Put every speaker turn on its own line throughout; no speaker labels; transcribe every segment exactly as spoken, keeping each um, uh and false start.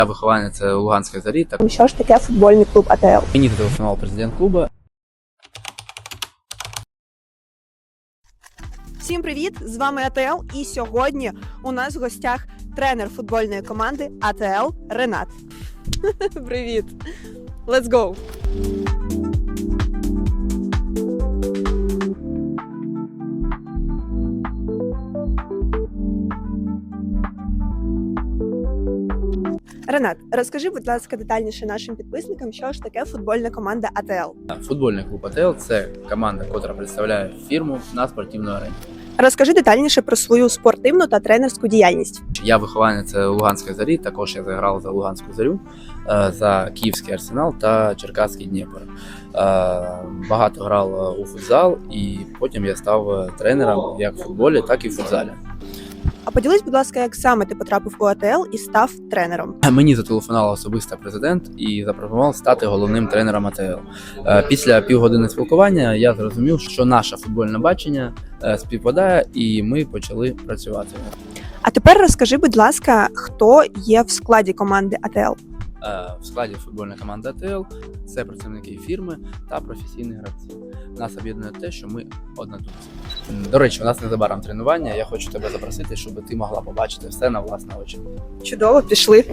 Я вихованець Луганської Зорі. Так...
Що ж таке футбольний клуб АТЛ?
Мені зателефонував президент клубу.
Всім привіт! З вами АТЛ, і сьогодні у нас в гостях тренер футбольної команди АТЛ Ренат. Привіт! Let's go! Ренат, розкажи, будь ласка, детальніше нашим підписникам, що ж таке футбольна команда АТЛ.
Футбольний клуб АТЛ – це команда, яка представляє фірму на спортивній арені.
Розкажи детальніше про свою спортивну та тренерську діяльність.
Я вихованець Луганської Зорі, також я заграв за Луганську Зорю, за Київський Арсенал та Черкаський Дніпро. Багато грав у футзал і потім я став тренером як в футболі, так і в футзалі.
А поділись, будь ласка, як саме ти потрапив у АТЛ і став тренером?
Мені зателефонував особисто президент і запропонував стати головним тренером АТЛ. Після півгодини спілкування я зрозумів, що наше футбольне бачення співпадає, і ми почали працювати.
А тепер розкажи, будь ласка, хто є в складі команди АТЛ?
В складі футбольної команди АТЛ це працівники фірми та професійні гравці. Нас об'єднує те, що ми однодумці. До речі, у нас незабаром тренування. Я хочу тебе запросити, щоб ти могла побачити все на власні очі.
Чудово, пішли.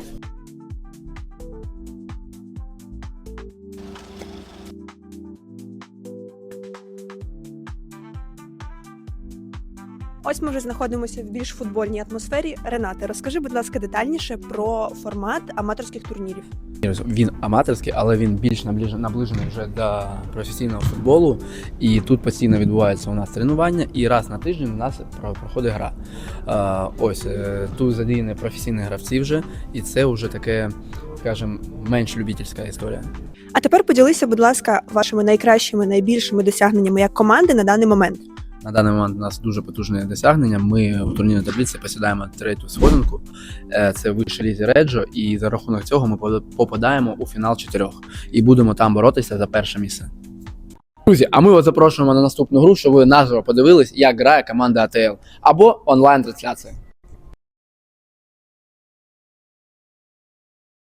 Ось ми вже знаходимося в більш футбольній атмосфері. Ренате, розкажи, будь ласка, детальніше про формат аматорських турнірів.
Він аматорський, але він більш наближений вже до професійного футболу. І тут постійно відбувається у нас тренування, і раз на тиждень у нас проходить гра. Ось, тут задіяні професійні гравці вже, і це вже таке, скажімо, менш любительська історія.
А тепер поділися, будь ласка, вашими найкращими, найбільшими досягненнями як команди на даний момент.
На даний момент у нас дуже потужне досягнення. Ми у турнірній таблиці посідаємо третю сходинку. Це вище лізі Реджо, і за рахунок цього ми попадаємо у фінал чотирьох. І будемо там боротися за перше місце. Друзі, а ми вас запрошуємо на наступну гру, щоб ви наживо подивились, як грає команда АТЛ. Або онлайн-трансляція.